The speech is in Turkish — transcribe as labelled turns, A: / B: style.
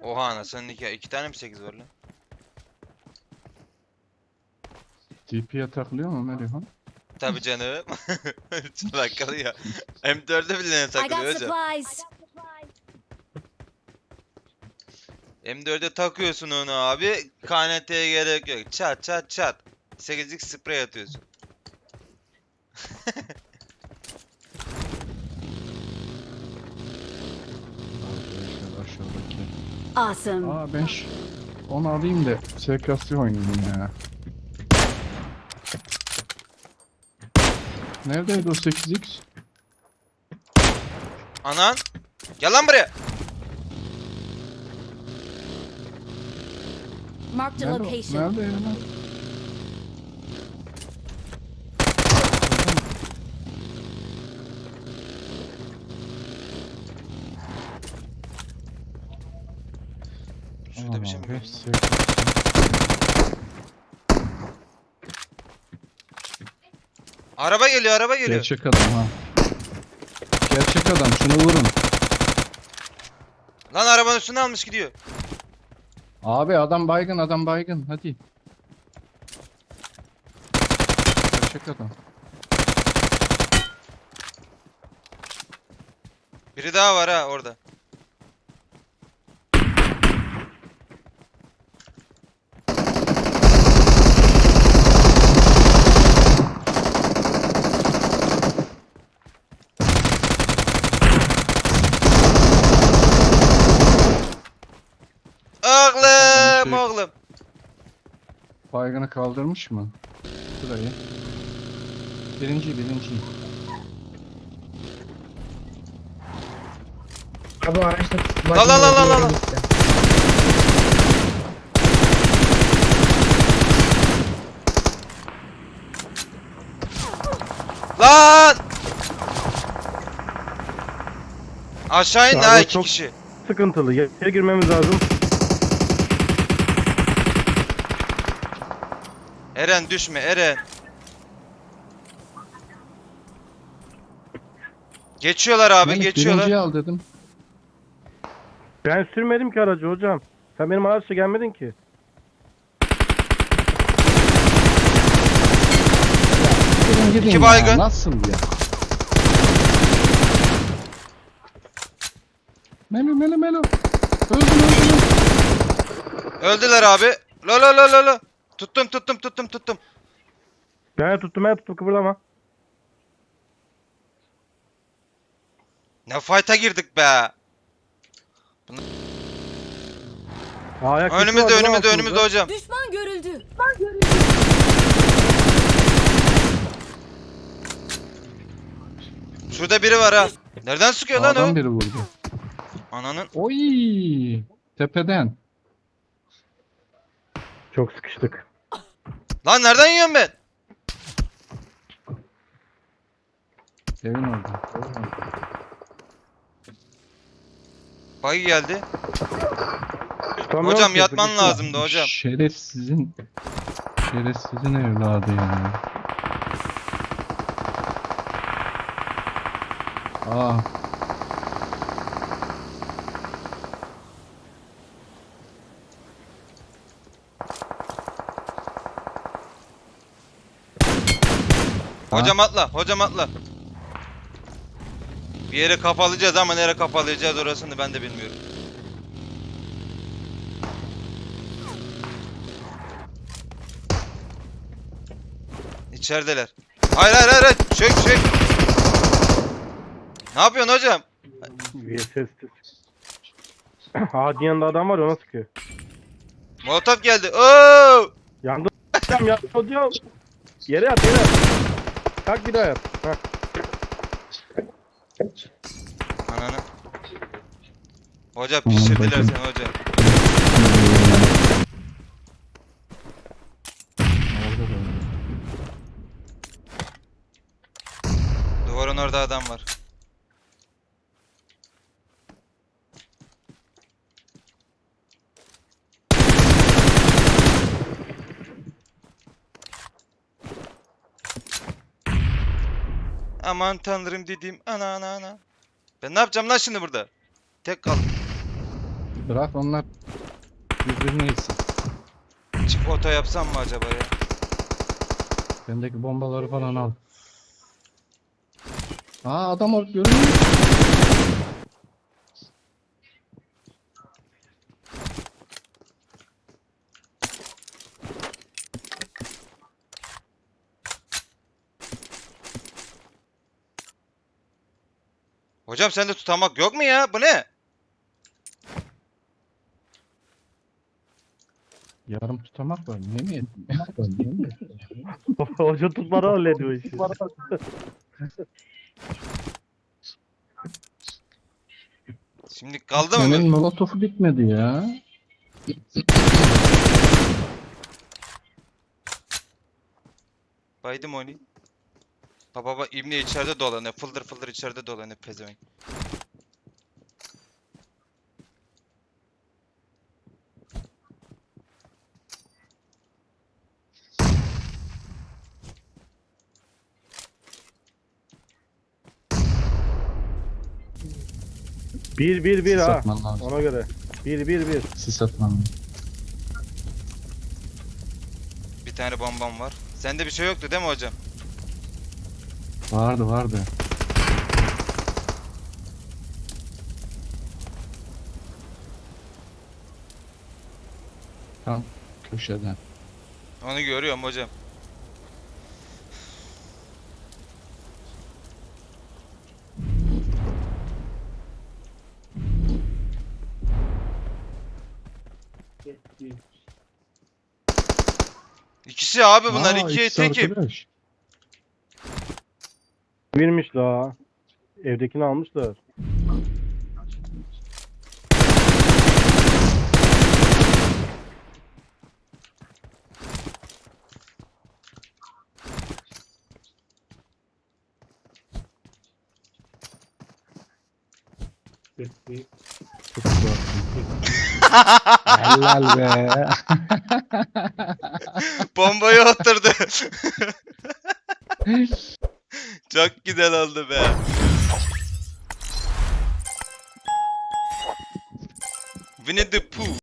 A: Oha anasının nikahı. 2 tane mi 8 var lan?
B: DP'ye takılıyor mu Melihan?
A: Tabi canım. Takılıyor. M4'e bile
C: I
A: takılıyor
C: got
A: hocam.
C: supplies.
A: M4'e takıyorsun onu abi. KNT'ye gerek yok. Çat çat çat. 8'lik sprey atıyorsun.
B: Arkadaşlar aşağıdaki.
C: Awesome.
B: Aa ben onu alayım da SKS oynayayım ya. Neredeydi o 8x?
A: Anan. Gel lan buraya.
C: Marked a
B: Nerede,
C: location.
B: nerede ya?
A: Şurada bir şey mi
B: Aman be,
A: gördün?
B: SKS.
A: Araba geliyor, araba geliyor.
B: Gerçek adam ha. Gerçek adam, şunu vurun.
A: Lan arabanın üstüne almış gidiyor.
B: Abi adam baygın, adam baygın, hadi. Gerçek adam.
A: Biri daha var ha orada. Oğlum,
B: Şey-
A: oğlum.
B: Baygını kaldırmış mı? Şurayı. Birinci.
D: Abi o araçta
A: La la la la la la. Lan! Aşağı indi
E: Abi
A: ha 2
E: çok-
A: kişi.
E: Sıkıntılı. Yere girmemiz lazım.
A: Eren düşme Eren. Geçiyorlar abi,
B: Melih,
A: geçiyorlar.
B: birinciyi al dedim.
E: Ben sürmedim ki aracı hocam. Sen benim araçla gelmedin ki.
B: Gidin
A: İki
B: ya,
A: baygın.
B: nasıl ya? Melo. Öldüm.
A: Öldüler abi. La la la la la. Tuttum.
E: Ben tuttum kıpırdama.
A: Ne fight'a girdik be.
E: Ayak sesi
A: Önümüzde
E: vardı lan
A: önümüzde
E: altımızda.
A: hocam.
C: Düşman görüldü.
A: Şurada biri var ha. Nereden sıkıyor lan
B: Adam
A: o?
B: biri vurdu.
A: Ananın.
B: Oy! Tepeden.
E: Çok sıkıştık.
A: Lan nereden yiyorum ben?
B: Evin orada.
A: Buggy geldi.
E: Tutamıyorum
A: Hocam
E: ki,
A: yatman
E: sıkıştım.
A: lazımdı hocam.
B: Şerefsizin evladı ya. Aa.
A: Hocam atla. Bir yere kapalayacağız ama nereye kapalayacağız orasını ben de bilmiyorum. İçerideler. Hayır. Çök. Ne yapıyorsun hocam?
E: VSS. Hadi yanında adam var ya, ona sıkıyor.
A: Molotov geldi. Oo!
E: Yandı hocam, yandı hocam. Yere yat. Kalk bir daha yat. Heh.
A: Ananı. Hoca pişirdiler seni hoca.
B: Orada da.
A: Duvarın orada adam var. Aman tanrım dediğim ana. Ben ne yapacağım lan şimdi burada? Tek kaldım.
B: Bırak onlar birbirini yesin.
A: Çift oto yapsam mı acaba ya?
B: Bendeki bombaları falan al. Aa adam orada görünüyor.
A: Hocam sende tutamak yok mu ya? Bu ne?
B: Yarım tutamak var. Niye mi yedin?
E: Hoca tutmadan hallediyor işi.
A: Şimdi kaldı mı?
B: Senin molotofu bitmedi ya.
A: Baydım onu. Baba İbni içeride dolanıyor. Fıldır fıldır içeride dolanıyor pezevenk.
E: Bir
B: Sis
E: ha.
B: atman lazım.
E: Ona göre. Bir.
B: Sis atman lazım.
A: Bir tane bombam var. Sende bir şey yoktu değil mi hocam?
B: Vardı. Tam köşeden.
A: Onu görüyorum hocam. İkisi abi bunlar
B: Aa,
A: ikiye
B: ikisi
A: tekim.
B: arkadaş.
E: Birmiş daha. Evdekini almışlar.
B: Çok güzel. Helal be.
A: Bombayı oturdu. Çok güzel oldu be. Winnie the Pooh.